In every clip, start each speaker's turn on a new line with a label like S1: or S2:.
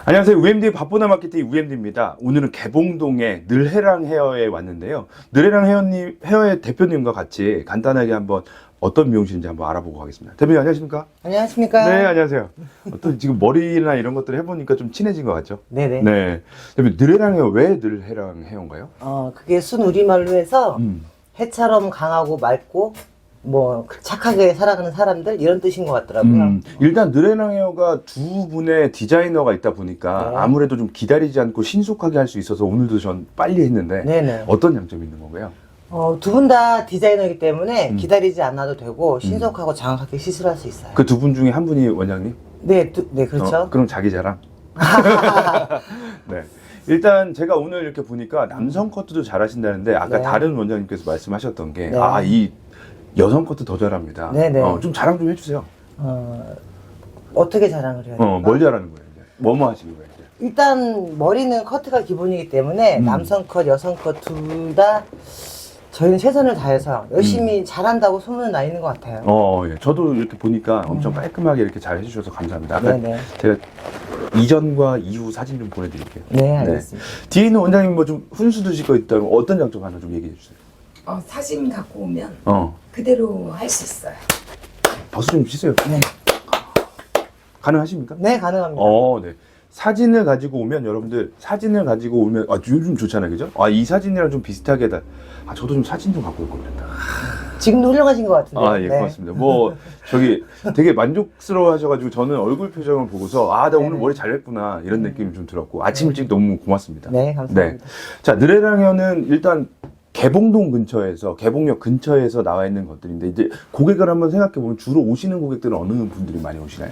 S1: 안녕하세요. UMD 바쁘나 마케팅 UMD입니다. 오늘은 개봉동의 늘해랑 헤어에 왔는데요. 늘해랑 헤어의 대표님과 같이 간단하게 한번 어떤 미용실인지 한번 알아보고 가겠습니다. 대표님 안녕하십니까?
S2: 안녕하십니까?
S1: 네, 안녕하세요. 어떤 지금 머리나 이런 것들을 해보니까 좀 친해진 것 같죠?
S2: 네네.
S1: 네. 대표님 늘해랑 헤어 왜 늘해랑 헤어인가요?
S2: 그게 순우리말로 해서 해처럼 강하고 맑고 뭐 착하게 살아가는 사람들 이런 뜻인 것 같더라고요.
S1: 일단 늘해랑 헤어가 두 분의 디자이너가 있다 보니까
S2: 네.
S1: 아무래도 좀 기다리지 않고 신속하게 할 수 있어서 오늘도 전 빨리 했는데
S2: 네네.
S1: 어떤 장점이 있는 건가요?
S2: 두 분 다 디자이너이기 때문에 기다리지 않아도 되고 신속하고 정확하게 시술할 수 있어요.
S1: 그 두 분 중에 한 분이 원장님?
S2: 네, 네 그렇죠.
S1: 그럼 자기 자랑? 네. 일단 제가 오늘 이렇게 보니까 남성 커트도 잘하신다는데 아까
S2: 네.
S1: 다른 원장님께서 말씀하셨던 게
S2: 네.
S1: 이 여성 커트 더 잘합니다.
S2: 네네.
S1: 좀 자랑 좀 해주세요.
S2: 어떻게 자랑을 해야 될까?
S1: 뭘 잘하는 거예요? 이제? 뭐뭐 하시는 거예요? 이제?
S2: 일단 머리는 커트가 기본이기 때문에 남성 컷, 여성 컷 둘 다 저희는 최선을 다해서 열심히 잘한다고 소문은 나 있는 것 같아요.
S1: 예. 저도 이렇게 보니까 엄청 깔끔하게 이렇게 잘 해주셔서 감사합니다. 아까
S2: 네네.
S1: 제가 이전과 이후 사진 좀 보내드릴게요.
S2: 네, 알겠습니다.
S1: 뒤에 있는 원장님 뭐 좀 훈수 두실 거 있다면 어떤 장점 하나 좀 얘기해 주세요.
S3: 사진 갖고 오면
S1: 어.
S3: 그대로 할 수 있어요.
S1: 박수 좀 치세요.
S2: 네.
S1: 가능하십니까?
S2: 네, 가능합니다.
S1: 네. 사진을 가지고 오면 여러분들 사진을 가지고 오면 요즘 좋잖아요, 그죠? 이 사진이랑 좀 비슷하게 저도 좀 사진 좀 갖고 올 겁니다.
S2: 지금도 훌륭하신 것 같은데.
S1: 예,
S2: 네.
S1: 고맙습니다. 저기 되게 만족스러워 하셔가지고 저는 얼굴 표정을 보고서 나 오늘 머리 잘했구나 이런 느낌이 좀 들었고 아침 일찍 너무 고맙습니다.
S2: 네, 감사합니다.
S1: 자, 느레랑현은 일단 개봉동 근처에서 개봉역 근처에서 나와 있는 것들인데 이제 고객을 한번 생각해 보면 주로 오시는 고객들은 어느 분들이 많이 오시나요?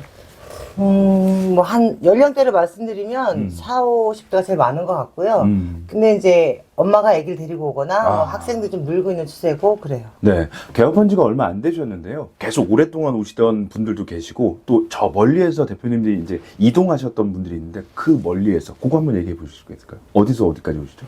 S2: 뭐 한 연령대를 말씀드리면 4, 50대가 제일 많은 것 같고요. 근데 이제 엄마가 아기를 데리고 오거나 뭐 학생들 좀 늘고 있는 추세고 그래요.
S1: 네, 개업한 지가 얼마 안 되셨는데요. 계속 오랫동안 오시던 분들도 계시고 또 저 멀리에서 대표님들이 이제 이동하셨던 분들이 있는데 그 멀리에서 그거 한번 얘기해 보실 수 있을까요? 어디서 어디까지 오시죠?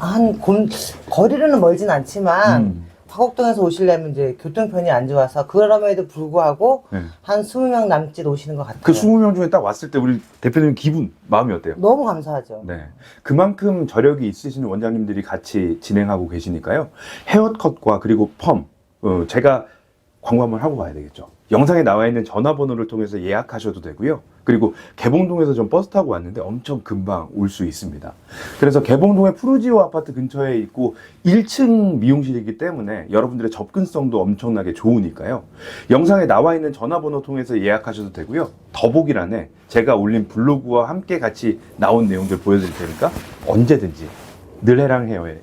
S2: 거리로는 멀진 않지만 화곡동에서 오시려면 이제 교통편이 안 좋아서 그럼에도 불구하고
S1: 네.
S2: 한 20명 남짓 오시는 것 같아요.
S1: 그 20명 중에 딱 왔을 때 우리 대표님 마음이 어때요?
S2: 너무 감사하죠.
S1: 네. 그만큼 저력이 있으신 원장님들이 같이 진행하고 계시니까요. 헤어컷과 그리고 펌, 제가 광고 한번 하고 가야 되겠죠. 영상에 나와 있는 전화번호를 통해서 예약하셔도 되고요. 그리고 개봉동에서 전 버스 타고 왔는데 엄청 금방 올 수 있습니다. 그래서 개봉동의 푸르지오 아파트 근처에 있고 1층 미용실이기 때문에 여러분들의 접근성도 엄청나게 좋으니까요. 영상에 나와 있는 전화번호 통해서 예약하셔도 되고요. 더보기란에 제가 올린 블로그와 함께 같이 나온 내용들 보여드릴 테니까 언제든지 늘해랑 헤어에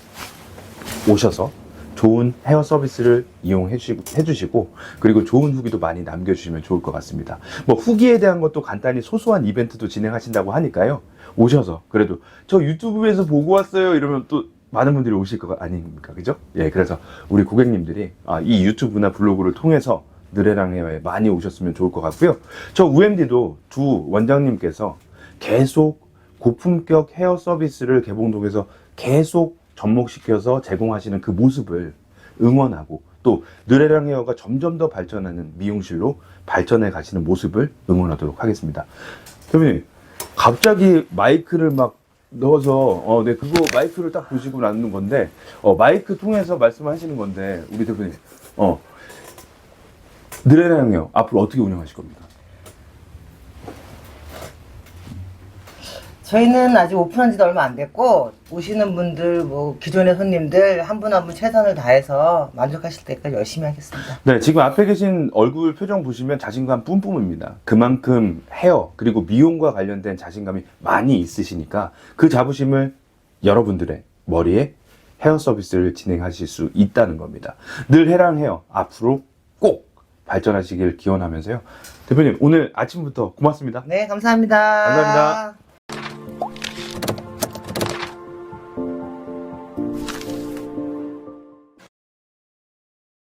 S1: 오셔서 좋은 헤어 서비스를 이용해 주시고 그리고 좋은 후기도 많이 남겨주시면 좋을 것 같습니다. 뭐 후기에 대한 것도 간단히 소소한 이벤트도 진행하신다고 하니까요. 오셔서 그래도 저 유튜브에서 보고 왔어요 이러면 또 많은 분들이 오실 거 아닙니까? 그죠? 예, 그래서 우리 고객님들이 이 유튜브나 블로그를 통해서 느레랑 헤어에 많이 오셨으면 좋을 것 같고요. 저 UMD도 두 원장님께서 계속 고품격 헤어 서비스를 개봉동에서 계속 접목시켜서 제공하시는 그 모습을 응원하고 또 느레랑 헤어가 점점 더 발전하는 미용실로 발전해 가시는 모습을 응원하도록 하겠습니다. 대표님, 갑자기 마이크를 막 넣어서 네, 그거 마이크를 딱 보시고 나누는 건데 마이크 통해서 말씀하시는 건데 우리 대표님 느레랑 헤어 앞으로 어떻게 운영하실 겁니까?
S2: 저희는 아직 오픈한 지도 얼마 안 됐고 오시는 분들 뭐 기존의 손님들 한 분 한 분 최선을 다해서 만족하실 때까지 열심히 하겠습니다.
S1: 네, 지금 앞에 계신 얼굴 표정 보시면 자신감 뿜뿜입니다. 그만큼 헤어 그리고 미용과 관련된 자신감이 많이 있으시니까 그 자부심을 여러분들의 머리에 헤어 서비스를 진행하실 수 있다는 겁니다. 늘해랑 헤어 앞으로 꼭 발전하시길 기원하면서요. 대표님 오늘 아침부터 고맙습니다.
S2: 네, 감사합니다.
S1: 감사합니다.